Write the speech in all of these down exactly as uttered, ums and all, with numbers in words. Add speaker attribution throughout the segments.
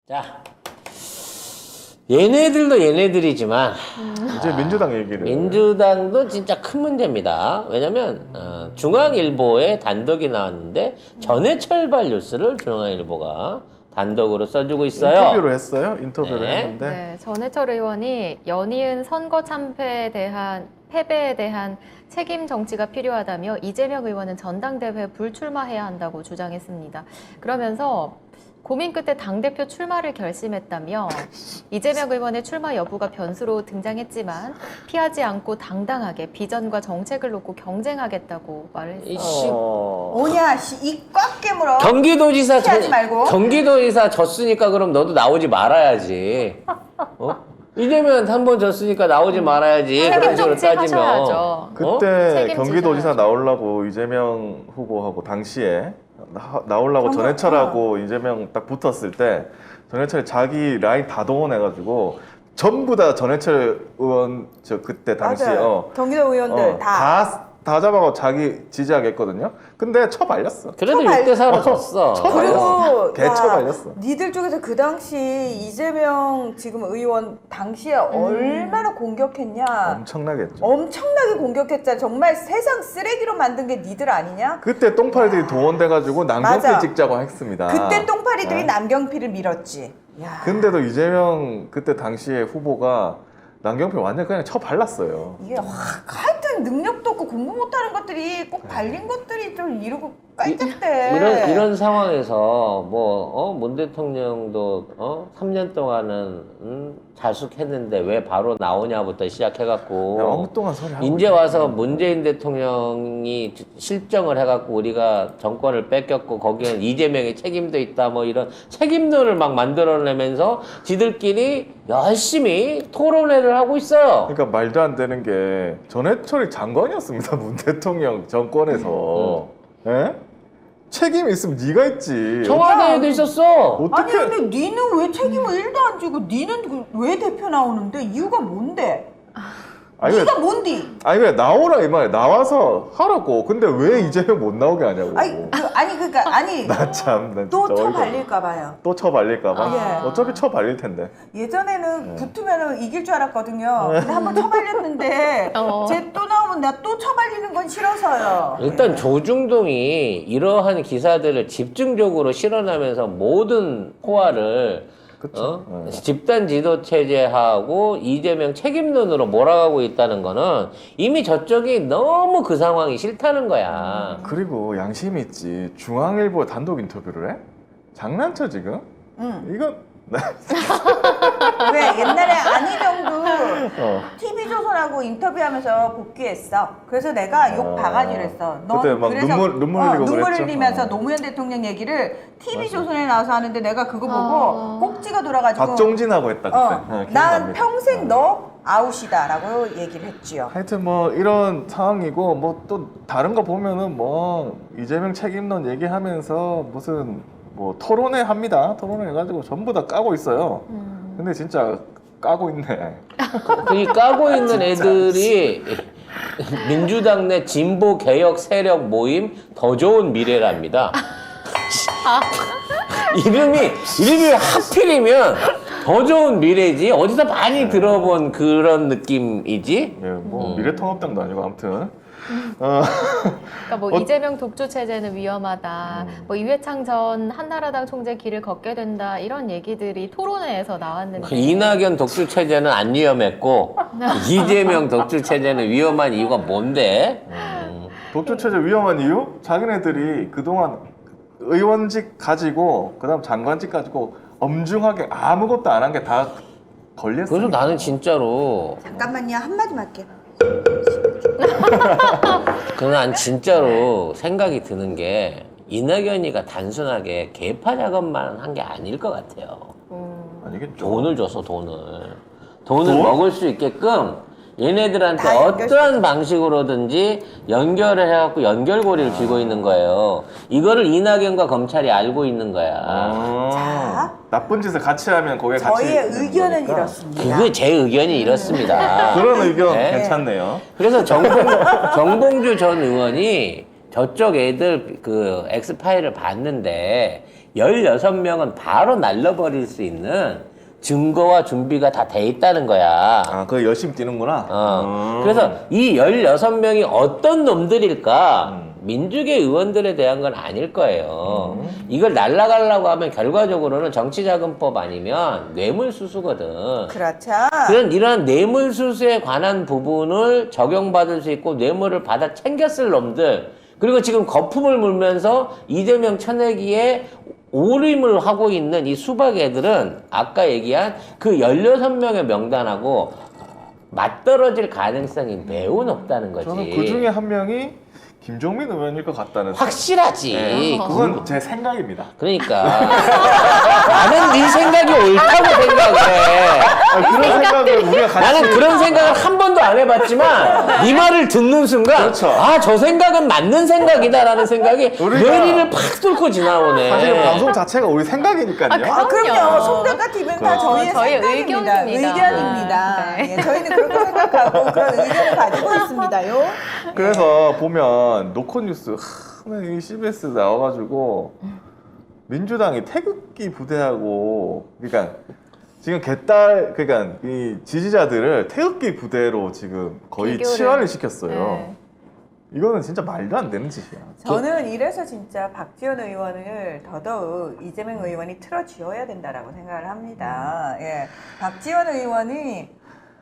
Speaker 1: 자, 얘네들도 얘네들이지만
Speaker 2: 이제 민주당 얘기를.
Speaker 1: 민주당도 진짜 큰 문제입니다. 왜냐면 어, 중앙일보에 단독이 나왔는데 전해철발 뉴스를 중앙일보가 단독으로 써주고 있어요.
Speaker 2: 인터뷰를 했어요. 인터뷰를
Speaker 1: 네.
Speaker 2: 했는데
Speaker 3: 네, 전해철 의원이 연이은 선거 참패에 대한 패배에 대한 책임 정치가 필요하다며 이재명 의원은 전당대회 불출마해야 한다고 주장했습니다. 그러면서 고민 끝에 당대표 출마를 결심했다며 이재명 의원의 출마 여부가 변수로 등장했지만 피하지 않고 당당하게 비전과 정책을 놓고 경쟁하겠다고 말을 했어요.
Speaker 1: 이씨,
Speaker 2: 어...
Speaker 4: 뭐냐, 씨, 이 꽉 깨물어.
Speaker 1: 경기도지사
Speaker 4: 피하지
Speaker 1: 저-
Speaker 4: 말고.
Speaker 1: 경기도지사 졌으니까 그럼 너도 나오지 말아야지. 어? 이재명 한 번 졌으니까 나오지 말아야지.
Speaker 3: 책임
Speaker 1: 그런 식으로
Speaker 3: 정치
Speaker 1: 따지면.
Speaker 3: 하셔야죠.
Speaker 1: 어?
Speaker 2: 그때
Speaker 3: 책임지셔야죠.
Speaker 2: 경기도지사 나오려고 이재명 후보하고 당시에 나, 나오려고
Speaker 4: 정말-
Speaker 2: 전해철하고 이재명 딱 붙었을 때 전해철이 자기 라인 다 동원해가지고 전부 다 전해철 의원 저 그때 당시에
Speaker 4: 맞아요.
Speaker 2: 어,
Speaker 4: 경기도 의원들
Speaker 2: 어,
Speaker 4: 다.
Speaker 2: 다, 다 잡아가고 자기 지지하겠거든요. 근데 처발렸어.
Speaker 1: 그래도
Speaker 4: 처발-
Speaker 1: 육 대 사로 졌어.
Speaker 4: 그리고
Speaker 2: 개 처발렸어.
Speaker 4: 니들 쪽에서 그 당시 이재명 지금 의원 당시에
Speaker 3: 음.
Speaker 4: 얼마나 공격했냐.
Speaker 2: 엄청나게 했죠.
Speaker 4: 엄청나게 공격했잖아. 정말 세상 쓰레기로 만든 게 니들 아니냐?
Speaker 2: 그때 똥파리들이 동원돼가지고 남경필
Speaker 4: 맞아.
Speaker 2: 찍자고 했습니다.
Speaker 4: 그때 똥파리들이
Speaker 2: 네.
Speaker 4: 남경필을 밀었지. 야.
Speaker 2: 근데도 이재명 그때 당시에 후보가 남경필 완전 그냥 쳐발랐어요.
Speaker 4: 이게 확 하여튼 능력도 없고 공부 못하는 것들이 꼭 발린 것들이 좀 이러고 깔짝대.
Speaker 1: 이런 이런 상황에서 뭐어문 대통령도 어 삼 년 동안은 음, 자숙했는데 왜 바로 나오냐부터 시작해갖고
Speaker 2: 그냥 엉뚱한 소리 하고
Speaker 1: 이제
Speaker 2: 있어요.
Speaker 1: 와서 문재인 대통령이 실정을 해갖고 우리가 정권을 뺏겼고 거기엔 이재명의 책임도 있다 뭐 이런 책임론을 막 만들어내면서 지들끼리 열심히 토론회를 하고 있어요.
Speaker 2: 그러니까 말도 안 되는 게 전해철이 장관이었습니다. 문 대통령 정권에서. 예? 책임 있으면 네가 있지.
Speaker 1: 청와대에도 있었어.
Speaker 4: 아니
Speaker 2: 어떻게
Speaker 4: 근데 니는 왜 책임을 일도 안 지고 니는 그- 왜 대표 나오는데 이유가 뭔데?
Speaker 2: 아니 왜,
Speaker 4: 니가 뭔디?
Speaker 2: 아니 왜 나오라 이 말이야. 나와서 하라고. 근데 왜 이재명 못 나오게 하냐고.
Speaker 4: 아니 그, 아니 그러니까 아니
Speaker 2: 나 참, 나
Speaker 4: 또
Speaker 2: 진짜
Speaker 4: 쳐
Speaker 2: 어이가
Speaker 4: 발릴까 봐요.
Speaker 2: 또 쳐발릴까봐.
Speaker 4: 아, 예.
Speaker 2: 어차피 쳐발릴 텐데.
Speaker 4: 예전에는
Speaker 2: 네.
Speaker 4: 붙으면 이길 줄 알았거든요. 근데 한번 쳐발렸는데
Speaker 3: 어.
Speaker 4: 쟤 또 나오면 나 또 쳐발리는 건 싫어서요.
Speaker 1: 일단 조중동이 이러한 기사들을 집중적으로 실어나면서 모든 포화를
Speaker 2: 그쵸.
Speaker 1: 어?
Speaker 2: 네.
Speaker 1: 집단 지도 체제하고 이재명 책임론으로 몰아가고 있다는 거는 이미 저쪽이 너무 그 상황이 싫다는 거야.
Speaker 2: 그리고 양심이 있지. 중앙일보 단독 인터뷰를 해? 장난쳐 지금?
Speaker 4: 응.
Speaker 2: 이건
Speaker 4: 왜 옛날에 안희정도
Speaker 2: 어.
Speaker 4: 티비조선하고 인터뷰하면서 복귀했어. 그래서 내가 욕
Speaker 2: 아.
Speaker 4: 바가지를 했어. 넌
Speaker 2: 그때 막
Speaker 4: 그래서
Speaker 2: 눈물- 눈물
Speaker 4: 어,
Speaker 2: 흘리고
Speaker 4: 눈물
Speaker 2: 그랬죠?
Speaker 4: 흘리면서
Speaker 2: 어.
Speaker 4: 노무현 대통령 얘기를 티비조선에 나와서 하는데 내가 그거 보고
Speaker 3: 아.
Speaker 4: 꼭지가 돌아가지고
Speaker 2: 박종진하고 했다 그때.
Speaker 4: 어,
Speaker 2: 네,
Speaker 4: 난
Speaker 2: 기억납니다.
Speaker 4: 평생
Speaker 2: 어.
Speaker 4: 너 아웃이다라고 얘기를 했지요.
Speaker 2: 하여튼 뭐 이런 상황이고 뭐 또 다른 거 보면은 뭐 이재명 책임론 얘기하면서 무슨 뭐 토론회 합니다. 토론회 해가지고 전부 다 까고 있어요.
Speaker 3: 음.
Speaker 2: 근데 진짜 까고 있네.
Speaker 1: 이 까고 있는 애들이 민주당 내 진보 개혁 세력 모임 더 좋은 미래랍니다. 이름이 이름이 하필이면 더 좋은 미래지 어디서 많이 들어본 그런 느낌이지.
Speaker 2: 예, 뭐
Speaker 1: 음.
Speaker 2: 미래통합당도 아니고 아무튼. 어,
Speaker 3: 그러니까 뭐
Speaker 2: 어-
Speaker 3: 이재명 독주 체제는 위험하다.
Speaker 2: 음.
Speaker 3: 뭐 이회창 전 한나라당 총재 길을 걷게 된다. 이런 얘기들이 토론회에서 나왔는데
Speaker 1: 이낙연 독주 체제는 안 위험했고 이재명 독주 체제는 위험한 이유가 뭔데? 음.
Speaker 2: 독주 체제 위험한 이유? 자기네들이 그동안 의원직 가지고 그다음 장관직 가지고 엄중하게 아무것도 안 한 게 다 걸렸어.
Speaker 1: 그래서 나는 진짜로
Speaker 4: 잠깐만요, 한마디만 할게.
Speaker 1: 그난 난 진짜로 생각이 드는 게 이낙연이가 단순하게 개파 작업만 한 게 아닐 것 같아요.
Speaker 3: 음.
Speaker 2: 아니겠죠.
Speaker 1: 돈을 줘서 돈을 돈을
Speaker 2: 돈?
Speaker 1: 먹을 수 있게끔 얘네들한테
Speaker 4: 다
Speaker 1: 어떠한 방식으로든지 연결을 해갖고 연결고리를 쥐고 있는 거예요. 이거를 이낙연과 검찰이 알고 있는 거야.
Speaker 2: 아,
Speaker 4: 자.
Speaker 2: 나쁜 짓을 같이 하면 거기에 같이
Speaker 4: 저희의
Speaker 2: 있는
Speaker 4: 의견은
Speaker 2: 거니까.
Speaker 4: 이렇습니다.
Speaker 1: 그게 제 의견이 이렇습니다.
Speaker 2: 그런 의견
Speaker 1: 네.
Speaker 2: 괜찮네요.
Speaker 1: 그래서 정봉, 정봉주 전 의원이 저쪽 애들 그 엑스파일을 봤는데 열여섯 명은 바로 날려버릴 수 있는 증거와 준비가 다 돼 있다는 거야.
Speaker 2: 아, 그거 열심히 뛰는구나.
Speaker 1: 어.
Speaker 2: 음.
Speaker 1: 그래서 이 열여섯 명이 어떤 놈들일까?
Speaker 2: 음.
Speaker 1: 민주계 의원들에 대한 건 아닐 거예요.
Speaker 2: 음.
Speaker 1: 이걸 날라가려고 하면 결과적으로는 정치자금법 아니면 뇌물수수거든.
Speaker 4: 그렇죠.
Speaker 1: 그런 이러한 뇌물수수에 관한 부분을 적용받을 수 있고 뇌물을 받아 챙겼을 놈들, 그리고 지금 거품을 물면서 이재명 쳐내기에 오림을 하고 있는 이 수박 애들은 아까 얘기한 그 열여섯 명의 명단하고 맞떨어질 가능성이 매우 높다는 거지.
Speaker 2: 저는 그 중에 한 명이 김종민 의원일 것 같다는
Speaker 1: 확실하지.
Speaker 2: 네, 그건 제 생각입니다.
Speaker 1: 그러니까 나는 네 생각이 옳다고 생각해.
Speaker 2: 아, 그런 생각을 우리가 같이
Speaker 1: 나는 그런 생각을 한 번도 안 해봤지만 네 말을 듣는 순간
Speaker 2: 그렇죠.
Speaker 1: 아, 저 생각은 맞는 생각이다라는 생각이
Speaker 2: 우리가
Speaker 1: 뇌리를 팍 뚫고 지나오네.
Speaker 2: 사실 방송 자체가 우리 생각이니까요.
Speaker 4: 아, 그럼요.
Speaker 3: 그럼요.
Speaker 4: 송대가 티비는 다
Speaker 2: 그렇죠.
Speaker 4: 저희의
Speaker 3: 저희의
Speaker 4: 생각입니다.
Speaker 3: 의견입니다.
Speaker 4: 의견입니다.
Speaker 3: 네.
Speaker 4: 예, 저희는 그렇게 생각하고 그런 의견을 가지고 있습니다요.
Speaker 2: 그래서 보면 노컷뉴스 하, 이 씨비에스 나와가지고 민주당이 태극기 부대하고 그러니까 지금 개딸 그러니까 이 지지자들을 태극기 부대로 지금 거의
Speaker 3: 비교를.
Speaker 2: 치환을 시켰어요.
Speaker 3: 네.
Speaker 2: 이거는 진짜 말도 안 되는 짓이야.
Speaker 4: 저는 이래서 진짜 박지원 의원을 더더욱 이재명 의원이 틀어쥐어야 된다라고 생각을 합니다. 예, 박지원 의원이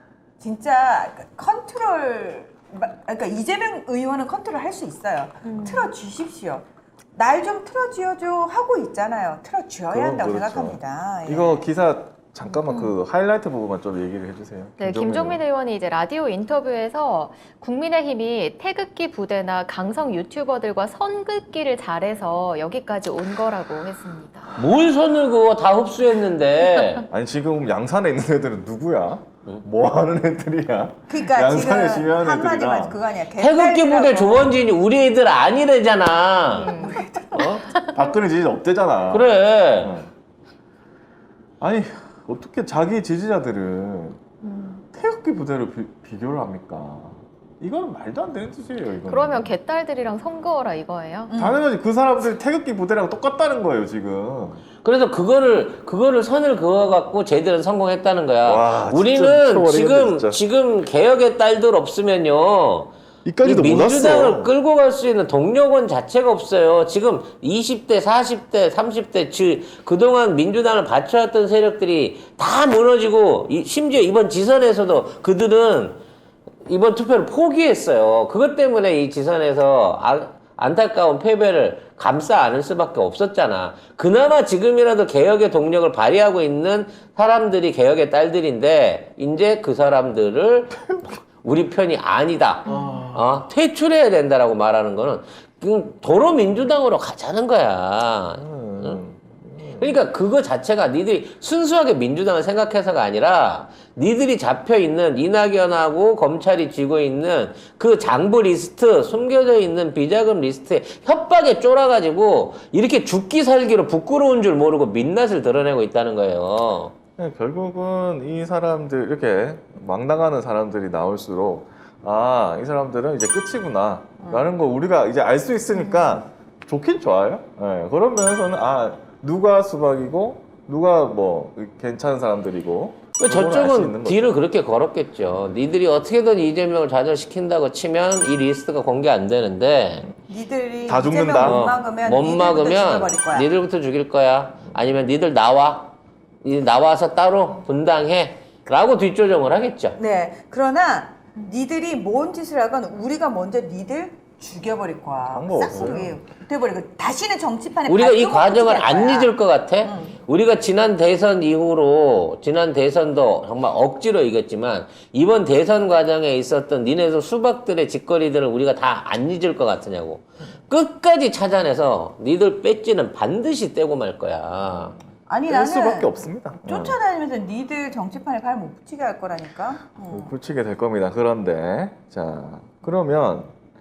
Speaker 4: 진짜 컨트롤, 그러니까 이재명 의원은 컨트롤 할 수 있어요.
Speaker 3: 음.
Speaker 4: 틀어주십시오. 날 좀 틀어쥐어줘 하고 있잖아요. 틀어쥐어야
Speaker 2: 그럼
Speaker 4: 한다고
Speaker 2: 그렇죠.
Speaker 4: 생각합니다. 예.
Speaker 2: 이거 기사 잠깐만 그 하이라이트 부분만 좀 얘기를 해주세요.
Speaker 3: 네, 김종민 의원이 이제 라디오 인터뷰에서 국민의힘이 태극기 부대나 강성 유튜버들과 선긋기를 잘해서 여기까지 온 거라고 했습니다.
Speaker 1: 뭘 손을 그거 다 흡수했는데.
Speaker 2: 아니 지금 양산에 있는 애들은 누구야? 뭐 하는 애들이야?
Speaker 4: 그러니까
Speaker 2: 양산에
Speaker 4: 지금
Speaker 2: 지휘하는
Speaker 4: 한마디만
Speaker 2: 애들이랑
Speaker 4: 그거 아니야.
Speaker 1: 태극기 부대
Speaker 4: 개딸들하고.
Speaker 1: 조원진이 우리 애들 아니래잖아.
Speaker 3: 음.
Speaker 1: 어?
Speaker 2: 박근혜 지지 없대잖아.
Speaker 1: 그래.
Speaker 2: 어. 아니 어떻게 자기 지지자들을
Speaker 3: 음.
Speaker 2: 태극기 부대로 비, 비교를 합니까? 이건 말도 안 되는 짓이에요. 이거는.
Speaker 3: 그러면 개딸들이랑 선거라 이거예요?
Speaker 4: 음.
Speaker 2: 당연하지 그 사람들이 태극기 부대랑 똑같다는 거예요 지금.
Speaker 1: 그래서 그거를 그거를 선을 그어갖고 쟤들은 성공했다는 거야.
Speaker 2: 와, 진짜
Speaker 1: 우리는
Speaker 2: 미쳐버리겠네,
Speaker 1: 지금
Speaker 2: 진짜.
Speaker 1: 지금 개혁의 딸들 없으면요. 이
Speaker 2: 이까지도
Speaker 1: 민주당을
Speaker 2: 몰랐어.
Speaker 1: 끌고 갈 수 있는 동력원 자체가 없어요. 지금 이십 대, 사십 대, 삼십 대, 즉 그동안 민주당을 받쳐왔던 세력들이 다 무너지고 이, 심지어 이번 지선에서도 그들은 이번 투표를 포기했어요. 그것 때문에 이 지선에서 아, 안타까운 패배를 감싸 안을 수밖에 없었잖아. 그나마 지금이라도 개혁의 동력을 발휘하고 있는 사람들이 개혁의 딸들인데 이제 그 사람들을 우리 편이 아니다. 어, 퇴출해야 된다라고 말하는 거는 그냥 도로 민주당으로 가자는 거야.
Speaker 2: 음.
Speaker 1: 그러니까 그거 자체가 니들이 순수하게 민주당을 생각해서가 아니라 니들이 잡혀있는 이낙연하고 검찰이 쥐고 있는 그 장부 리스트, 숨겨져 있는 비자금 리스트에 협박에 쫄아가지고 이렇게 죽기 살기로 부끄러운 줄 모르고 민낯을 드러내고 있다는 거예요.
Speaker 2: 네, 결국은 이 사람들 이렇게 막 나가는 사람들이 나올수록 아, 이 사람들은 이제 끝이구나 라는 거 우리가 이제 알 수 있으니까 좋긴 좋아요. 네, 그런 면에서는 아, 누가 수박이고 누가 뭐 괜찮은 사람들이고 그거는 알수
Speaker 1: 저쪽은
Speaker 2: 있는 거죠.
Speaker 1: 딜을 그렇게 걸었겠죠. 니들이 어떻게든 이재명을 좌절시킨다고 치면 이 리스트가 공개 안 되는데
Speaker 4: 니들이
Speaker 2: 다
Speaker 4: 이재명
Speaker 2: 죽는다.
Speaker 4: 못
Speaker 1: 어,
Speaker 4: 막으면
Speaker 1: 못
Speaker 4: 니들부터
Speaker 1: 막으면
Speaker 4: 죽여버릴 거야.
Speaker 1: 니들부터 죽일 거야. 아니면 니들 나와. 니 나와서 따로 분당해. 라고 뒷조정을 하겠죠.
Speaker 4: 네. 그러나 니들이 뭔 짓을 하건 우리가 먼저 니들 죽여버릴 거야.
Speaker 2: 방법
Speaker 4: 싹
Speaker 2: 없어요.
Speaker 4: 그게 돼버리고 다시는 정치판에
Speaker 1: 우리가 이
Speaker 4: 발도 못
Speaker 1: 과정을
Speaker 4: 붙이게 할
Speaker 1: 안
Speaker 4: 거야.
Speaker 1: 잊을 것 같아.
Speaker 4: 응.
Speaker 1: 우리가 지난 대선 이후로 지난 대선도 정말 억지로 이겼지만 이번 대선 과정에 있었던 니네들 수박들의 짓거리들을 우리가 다 안 잊을 것 같으냐고. 끝까지 찾아내서 니들 배지는 반드시 떼고 말 거야.
Speaker 4: 아니
Speaker 2: 뺄
Speaker 4: 나는
Speaker 2: 수밖에 없습니다.
Speaker 4: 쫓아다니면서 니들 정치판에 발 못 붙이게 할 거라니까. 어.
Speaker 2: 어, 붙이게 될 겁니다. 그런데 자 그러면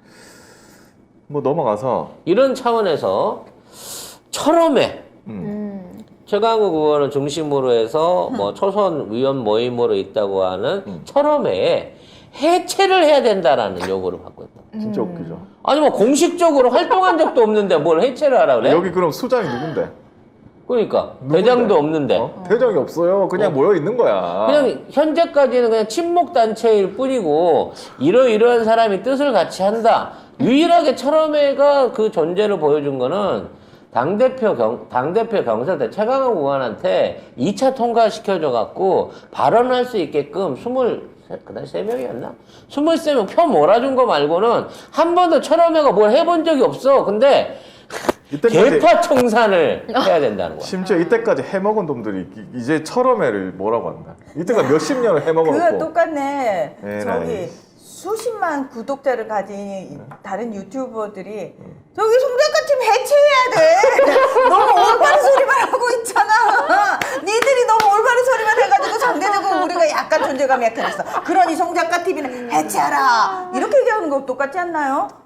Speaker 2: 뭐 넘어가서
Speaker 1: 이런 차원에서 철험해.
Speaker 2: 음.
Speaker 3: 음.
Speaker 1: 최강욱 의원을 중심으로 해서 뭐 초선 의원 모임으로 있다고 하는
Speaker 2: 음.
Speaker 1: 철험회에 해체를 해야 된다라는 요구를 받고 있다.
Speaker 2: 진짜
Speaker 3: 음.
Speaker 2: 웃기죠.
Speaker 1: 아니 뭐 공식적으로 활동한 적도 없는데 뭘 해체를 하라 그래?
Speaker 2: 여기 그럼 수장이 누군데?
Speaker 1: 그러니까
Speaker 2: 누군데?
Speaker 1: 대장도 없는데
Speaker 2: 어? 대장이 없어요. 그냥
Speaker 1: 어.
Speaker 2: 모여 있는 거야.
Speaker 1: 그냥 현재까지는 그냥 친목 단체일 뿐이고 이러이러한 사람이 뜻을 같이 한다. 유일하게 철험회가 그 존재를 보여준 거는 당대표 경, 당대표 경선때 최강욱 의원한테 이 차 통과시켜줘 갖고 발언할 수 있게끔 스물 그날 세 명이었나? 스물세 명 표 몰아준 거 말고는 한 번도 철험회가 뭘 해본 적이 없어. 근데
Speaker 2: 이때까지
Speaker 1: 개파 청산을 해야 된다는 거야.
Speaker 2: 심지어 이때까지 해먹은 놈들이 이- 이제 철험회를 뭐라고 한다. 이때까지 몇십 년을 해먹어놓고.
Speaker 4: 그거 똑같네.
Speaker 2: 네,
Speaker 4: 저기
Speaker 2: 네.
Speaker 4: 수십만 구독자를 가진 다른 유튜버들이 저기 송작가팀 해체해야 돼. 너무 올바른 소리만 하고 있잖아. 니들이 너무 올바른 소리만 해가지고 상대적으로 우리가 약간 존재감이 약해졌어. 그러니 송작가팀이는 해체하라. 이렇게 얘기하는 거 똑같지 않나요?